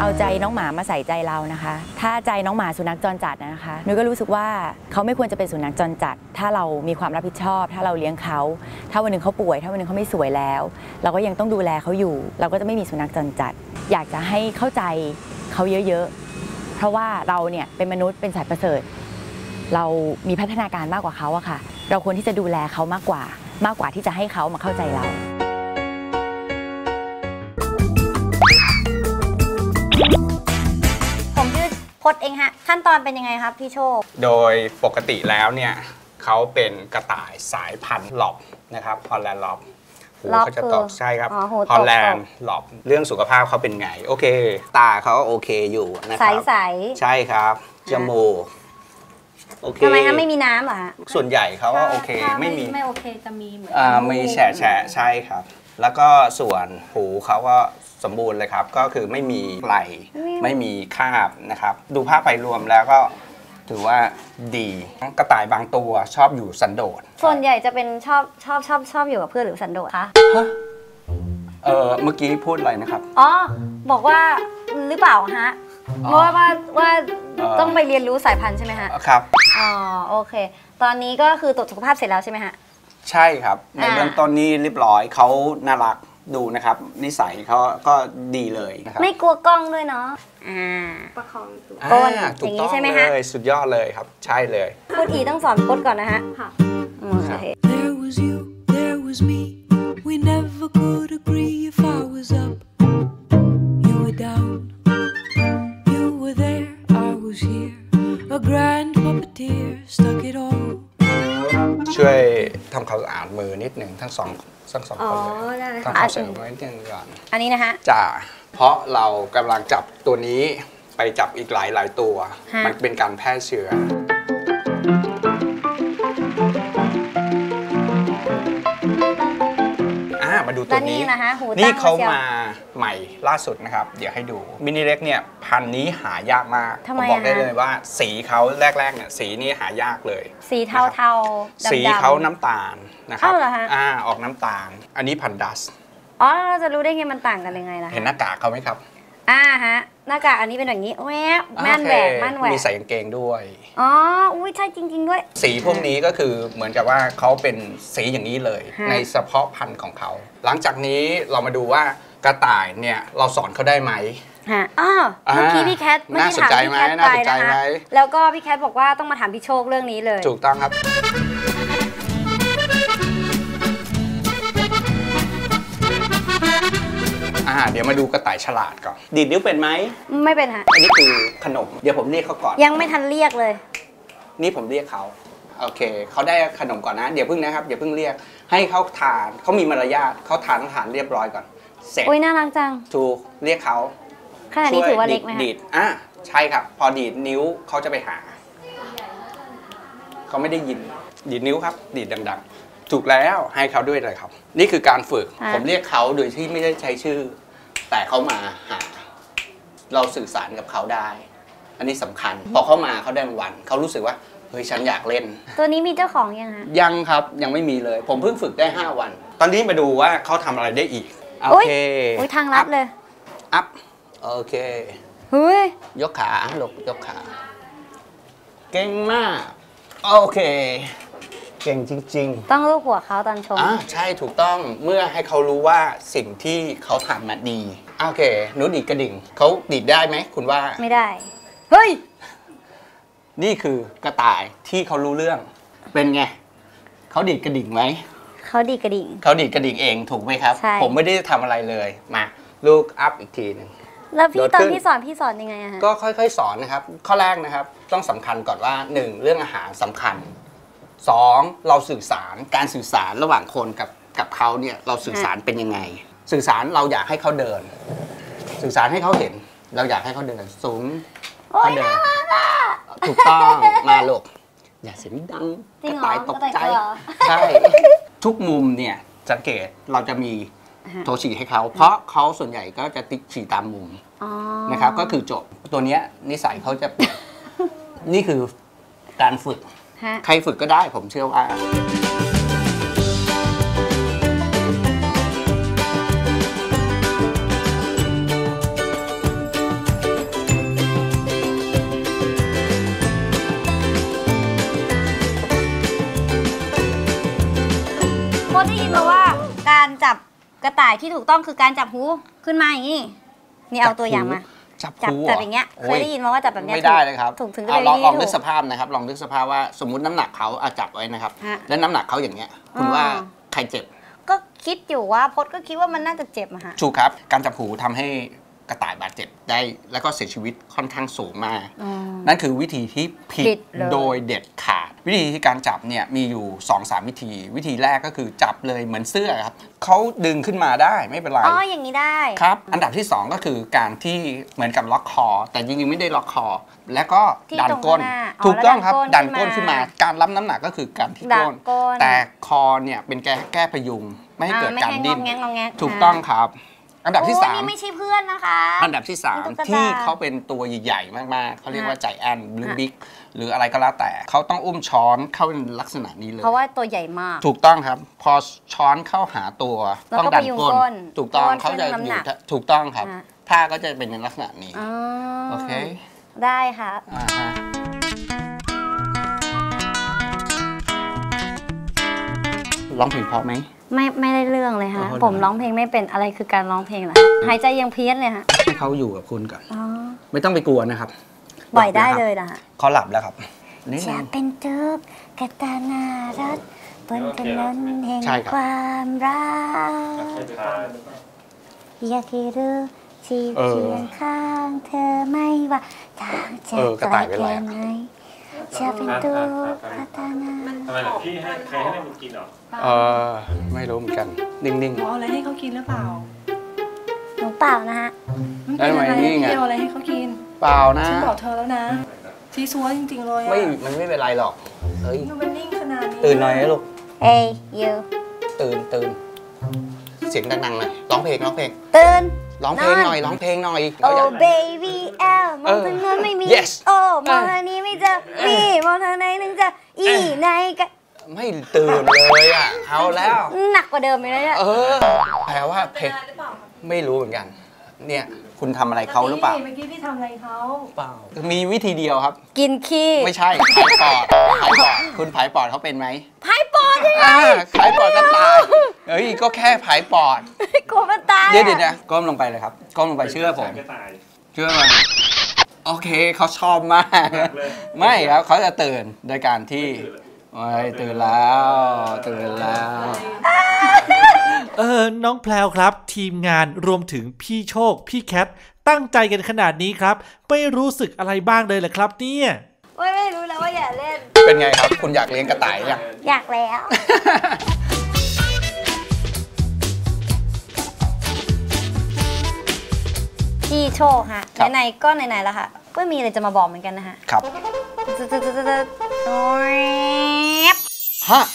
เอาใจน้องหมามาใส่ใจเรานะคะถ้าใจน้องหมาสุนัขจรจัดนะคะนุ้ยก็รู้สึกว่าเขาไม่ควรจะเป็นสุนัขจรจัดถ้าเรามีความรับผิดชอบถ้าเราเลี้ยงเขาถ้าวันหนึ่งเขาป่วยถ้าวันหนึ่งเขาไม่สวยแล้วเราก็ยังต้องดูแลเขาอยู่เราก็จะไม่มีสุนัขจรจัดอยากจะให้เข้าใจเขาเยอะๆเพราะว่าเราเนี่ยเป็นมนุษย์เป็นสัตว์ประเสริฐเรามีพัฒนาการมากกว่าเขาอะค่ะเราควรที่จะดูแลเขามากกว่าที่จะให้เขามาเข้าใจเราผมชื่อพจน์เองฮะขั้นตอนเป็นยังไงครับพี่โชคโดยปกติแล้วเนี่ยเขาเป็นกระต่ายสายพันธุ์ล็อบนะครับฮอลแลนด์ล็อบหูเขาจะตกใช่ครับฮอลแลนด์ล็อบเรื่องสุขภาพเขาเป็นไงโอเคตาเขาโอเคอยู่นะครับใสใช่ครับจมูกโอเคทำไมคะไม่มีน้ำเหรอฮะส่วนใหญ่เขาว่าโอเคไม่โอเคจะมีเหมือนมีแฉะใช่ครับแล้วก็ส่วนหูเขาก็สมบูรณ์เลยครับก็คือไม่มีไหลไม่มีคราบนะครับดูภาพไปรวมแล้วก็ถือว่าดีกระต่ายบางตัวชอบอยู่สันโดษส่วนใหญ่จะเป็นชอบอยู่กับเพื่อนหรือสันโดษคะเมื่อกี้พูดอะไรนะครับอ๋อบอกว่าหรือเปล่าฮะว่าต้องไปเรียนรู้สายพันธุ์ใช่ไหมฮะครับอ๋อโอเคตอนนี้ก็คือตรวจสุขภาพเสร็จแล้วใช่ไหมฮะใช่ครับในเบื้องต้นนี้เรียบร้อยเขาน่ารักดูนะครับนิสัยเขาก็ดีเลยนะครับไม่กลัวกล้องด้วยเนาะประคองก้นอย่างนี้ใช่ไหมฮะสุดยอดเลยครับใช่เลยพูดอีต้องสอนก้นก่อนนะฮะค่ะโอเค There was you there was me we never could agree if I was up you were down you were there I was here a grand puppeteer stuck it all ช่วยทำความสะอาดมือนิดหนึ่งทั้งสองคนเลยทำความสะอาดมือนิดนึงก่อนอันนี้นะฮะจ้าเพราะเรากำลังจับตัวนี้ไปจับอีกหลายตัวมันเป็นการแพร่เชื้อมาดูตัวนี้นี่เขามาใหม่ล่าสุดนะครับเดี๋ยวให้ดูมินิเล็กเนี่ยพันธุ์นี้หายากมากผมบอกได้เลยว่าสีเขาแรกๆเนี่ยสีนี้หายากเลยสีเทาๆสีเขาน้ำตาลนะครับออกน้ำตาลอันนี้พันธุ์ดัสอ๋อเราจะรู้ได้ไงมันต่างกันยังไงล่ะเห็นหน้ากากเขาไหมครับฮะหน้ากากอันนี้เป็นแบบนี้แหวกแม่นแหวกมีใส่กางเกงด้วยอ๋ออุ้ยใช่จริงๆด้วยสีพวกนี้ก็คือเหมือนกับว่าเขาเป็นสีอย่างนี้เลยในเฉพาะพันธุ์ของเขาหลังจากนี้เรามาดูว่ากระต่ายเนี่ยเราสอนเขาได้ไหมเมื่อกี้พี่แคทไม่ได้ถามพี่แคทไปนะคะแล้วก็พี่แคทบอกว่าต้องมาถามพี่โชคเรื่องนี้เลยถูกต้องครับเดี๋ยวมาดูกระต่ายฉลาดก่อนดีดนิ้วเป็นไหมไม่เป็นฮะอันนี้คือขนมเดี๋ยวผมเรียกเขาก่อนยังไม่ทันเรียกเลยนี่ผมเรียกเขาโอเคเขาได้ขนมก่อนนะเดี๋ยวพึ่งนะครับอย่าเพิ่งเรียกให้เขาทานเขามีมารยาทเขาทานอาหารเรียบร้อยก่อนเสร็จโอ้ยน่ารักจังถูกเรียกเขาขนาดนี้ถือว่าเล็กไหมดีดใช่ครับพอดีดนิ้วเขาจะไปหาเขาไม่ได้ยินดีดนิ้วครับดีดดังๆถูกแล้วให้เขาด้วยเลยครับนี่คือการฝึกผมเรียกเขาโดยที่ไม่ได้ใช้ชื่อแต่เขามาหาเราสื่อสารกับเขาได้อันนี้สำคัญพอเขามาเขาได้รางวัลเขารู้สึกว่าเฮ้ยฉันอยากเล่นตัวนี้มีเจ้าของยังฮะยังครับยังไม่มีเลยผมเพิ่งฝึกได้5 วันตอนนี้มาดูว่าเขาทำอะไรได้อีกโอเคทางลัดเลยอัพโอเคยกขาลงยกขาเก่งมากโอเคเก่งจริงๆต้องลูบหัวเขาตอนชมใช่ถูกต้องเมื่อให้เขารู้ว่าสิ่งที่เขาทำมาดีโอเคหนูดีดกระดิ่งเขาดีดได้ไหมคุณว่าไม่ได้เฮ้ยนี่คือกระต่ายที่เขารู้เรื่องเป็นไงเขาดีดกระดิ่งไหมเขาดีดกระดิ่งเองถูกไหมครับผมไม่ได้ทำอะไรเลยมาลูกอัพอีกทีหนึ่งแล้วพี่ตอนพี่สอนยังไงฮะก็ค่อยๆสอนนะครับข้อแรกนะครับต้องสำคัญก่อนว่า1เรื่องอาหารสำคัญ2เราสื่อสารการสื่อสารระหว่างคนกับเขาเนี่ยเราสื่อสารเป็นยังไงสื่อสารเราอยากให้เขาเดินสื่อสารให้เขาเห็นเราอยากให้เขาเดินสูงเขาเดินถูกต้องมาลูกอย่าเสียงดังกระต่ายตกใจใช่ทุกมุมเนี่ยสังเกตเราจะมีโทฉี่ให้เขาเพราะเขาส่วนใหญ่ก็จะติ๊กฉี่ตามมุมนะครับก็คือจบตัวนี้นิสัยเขาจะนี่คือการฝึกใครฝึกก็ได้ผมเชื่อว่าได้ยินมาว่าการจับกระต่ายที่ถูกต้องคือการจับหูขึ้นมาอย่างนี้นี่เอาตัวอย่างมาจับอย่างเงี้ยเคยได้ยินมาว่าจับแบบเนี้ยไม่ได้เลยครับถูกถึงจะลเป็นองนึกสภาพนะครับลองนึกสภาพว่าสมมุติน้ำหนักเขาจับไว้นะครับแล้วน้ำหนักเขาอย่างเงี้ยคุณว่าใครเจ็บก็คิดอยู่ว่าพจน์ก็คิดว่ามันน่าจะเจ็บอะฮะถูกครับการจับหูทำให้กระต่ายบาดเจ็บได้แล้วก็เสียชีวิตค่อนข้างสูงมากนั่นคือวิธีที่ผิดโดยเด็ดขาดวิธีที่การจับเนี่ยมีอยู่ 2-3 วิธีแรกก็คือจับเลยเหมือนเสื้อครับเขาดึงขึ้นมาได้ไม่เป็นไรอย่างนี้ได้ครับอันดับที่ 2 ก็คือการที่เหมือนกับล็อกคอแต่จริงๆไม่ได้ล็อกคอแล้วก็ดันก้นถูกต้องครับดันก้นขึ้นมาการรับน้ำหนักก็คือการที่ก้นแต่คอเนี่ยเป็นแก้พยุงไม่ให้เกิดการดิ้นถูกต้องครับอันดับที่3 นี่ไม่ใช่เพื่อนนะคะอันดับที่3ที่เขาเป็นตัวใหญ่ๆมากๆเขาเรียกว่าใจแอนหรือบิ๊กหรืออะไรก็แล้วแต่เขาต้องอุ้มช้อนเข้าในลักษณะนี้เลยเพราะว่าตัวใหญ่มากถูกต้องครับพอช้อนเข้าหาตัวต้องดันก้นถูกต้องเขาจะอยู่ถูกต้องครับท่าก็จะเป็นในลักษณะนี้โอเคได้ค่ะร้องเพลงเพราะไหมไม่ได้เรื่องเลยค่ะผมร้องเพลงไม่เป็นอะไรคือการร้องเพลงเหรอหายใจยังเพี้ยนเลยฮะให้เขาอยู่กับคุณก่อนไม่ต้องไปกลัวนะครับปล่อยได้เลยนะเขาหลับแล้วครับจะเป็นทุกกตานารักบนถนนแห่งความรักอยากให้รู้ที่เคียงข้างเธอไม่ว่าทางจะไกลแค่ไหนจะเป็นตัวกตานาทำไมล่ะพี่ให้ใครให้แม่กินหรอไม่รู้เหมือนกันนิ่งๆเอาอะไรให้เขากินหรือเปล่าหนูเปล่านะฮะได้ไหมนี่ไงเอาอะไรให้เขากินเปล่านะฉันบอกเธอแล้วนะซีซัวจริงๆเลยมันไม่เป็นไรหรอกเฮ้ยมันนิ่งขนาดนี้ตื่นหน่อยนะลูกเฮ้ยยูตื่นเสียงดังๆหน่อยร้องเพลงตื่นร้องเพลงหน่อยโอ้ baby L มองทางนั้นไม่มีโอ้มองทางนี้ไม่เจอมีมองทางไหนนึงจะอีไหนกันไม่ตื่นเลยอ่ะเอาแล้วหนักกว่าเดิมเลยเนี่ยแปลว่าเพลงไม่รู้เหมือนกันเนี่ยคุณทำอะไรเขาหรือเปล่าเมื่อกี้พี่ทำอะไรเขาเปล่ามีวิธีเดียวครับกินขี้ไม่ใช่ผายปอดคุณผายปอดเขาเป็นไหมผายปอดยังไงผายปอดก็ตายก็แค่ผายปอดกลัวมันตายเดี๋ยวนะก้มลงไปเลยครับก้มลงไปเชื่อผมเชื่อมันโอเคเขาชอบมากไม่ครับเขาจะตื่นโดยการที่ตื่นแล้วน้องแพลวครับทีมงานรวมถึงพี่โชคพี่แคทตั้งใจกันขนาดนี้ครับไม่รู้สึกอะไรบ้างเลยเหรอครับเนี่ยไม่รู้แล้วว่าอย่าเล่นเป็นไงครับคุณอยากเลี้ยงกระต่ายยังอยากแล้วพี่โชคฮะไหนๆก็ไหนๆแล้วค่ะก็มีอะไรจะมาบอกเหมือนกันนะฮะครับฮะ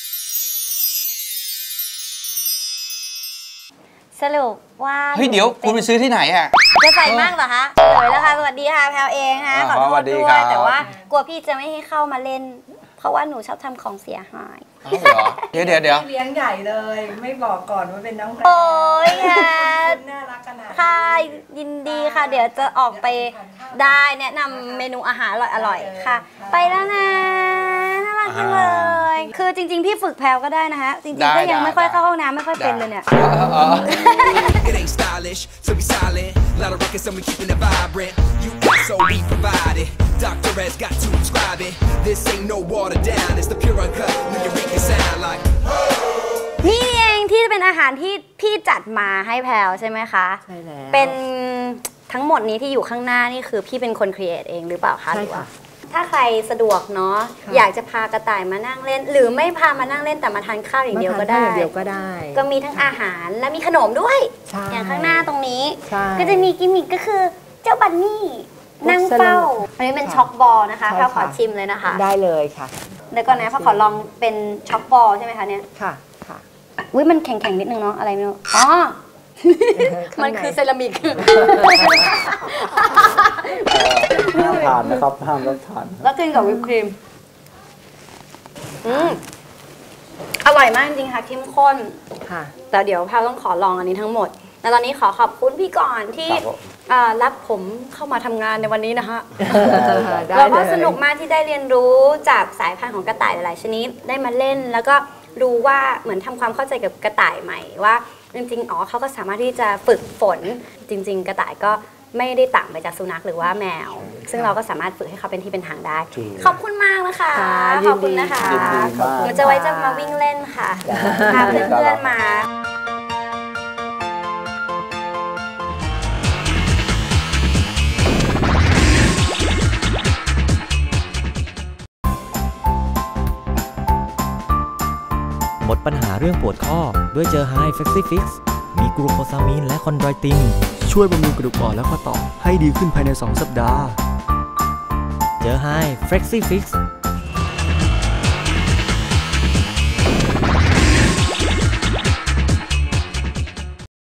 สรุปว่าเฮ้ยเดี๋ยวคุณไปซื้อที่ไหนอ่ะจะใส่มากเหรอคะเลยแล้วค่ะสวัสดีค่ะแพลวเองฮะขอโทษด้วยแต่ว่ากลัวพี่จะไม่ให้เข้ามาเล่นเพราะว่าหนูชอบทำของเสียหายเดี๋ยวเลี้ยงใหญ่เลยไม่บอกก่อนว่าเป็นน้องแพลวโอ้ยค่ะน่ารักขนาดค่ะยินดีค่ะเดี๋ยวจะออกไปได้แนะนำเมนูอาหารอร่อยๆค่ะไปแล้วนะน่ารักจังเลยคือจริงๆพี่ฝึกแพลวก็ได้นะฮะจริงๆก็ยังไม่ค่อยเข้าห้องน้ำไม่ค่อยเป็นเลยเนี่ย Dr. Red's got to prescribe it. This ain't no water down. It's the pure uncut New Eureka sound like. นี่เองที่เป็นอาหารที่พี่จัดมาให้แพลวใช่ไหมคะใช่แล้วเป็นทั้งหมดนี้ที่อยู่ข้างหน้านี่คือพี่เป็นคนครีเอทเองหรือเปล่าคะใช่ค่ะถ้าใครสะดวกเนาะอยากจะพากระต่ายมานั่งเล่นหรือไม่พามานั่งเล่นแต่มาทานข้าวอย่างเดียวก็ได้ก็มีทั้งอาหารและมีขนมด้วยอย่างข้างหน้าตรงนี้ก็จะมีกิมมิคก็คือเจ้าบันนี่นั่งเฝ้าอันนี้เป็นช็อกบอลนะคะแพลวขอชิมเลยนะคะได้เลยค่ะเดี๋ยวก่อนนะแพลวขอลองเป็นช็อกบอลใช่ไหมคะเนี่ยค่ะอุ้ยมันแข็งๆนิดนึงเนาะอะไรไม่รู้อ๋อมันคือเซรามิกห้ามทานนะครับห้ามรับทานแล้วกินกับวิปครีมอร่อยมากจริงๆค่ะเข้มข้นค่ะแต่เดี๋ยวแพลวต้องขอลองอันนี้ทั้งหมดแล้วตอนนี้ขอขอบคุณพี่ก่อนที่รับผมเข้ามาทำงานในวันนี้นะคะแล้วก็สนุกมากที่ได้เรียนรู้จากสายพันธุ์ของกระต่ายหลายๆชนิดได้มาเล่นแล้วก็รู้ว่าเหมือนทำความเข้าใจกับกระต่ายใหม่ว่าจริงๆเขาก็สามารถที่จะฝึกฝนจริงๆกระต่ายก็ไม่ได้ต่างไปจากสุนัขหรือว่าแมวซึ่งเราก็สามารถฝึกให้เขาเป็นที่เป็นทางได้ขอบคุณมากนะคะขอบคุณนะคะหนูจะไว้จะมาวิ่งเล่นค่ะพาเพื่อนๆมาหมดปัญหาเรื่องปวดข้อด้วยเจอ High Flexi Fix มีกลูโคซามีนและคอนโดรตินช่วยบำรุงกระดูกอ่อนและข้อต่อให้ดีขึ้นภายใน2 สัปดาห์เจอ High Flexi Fix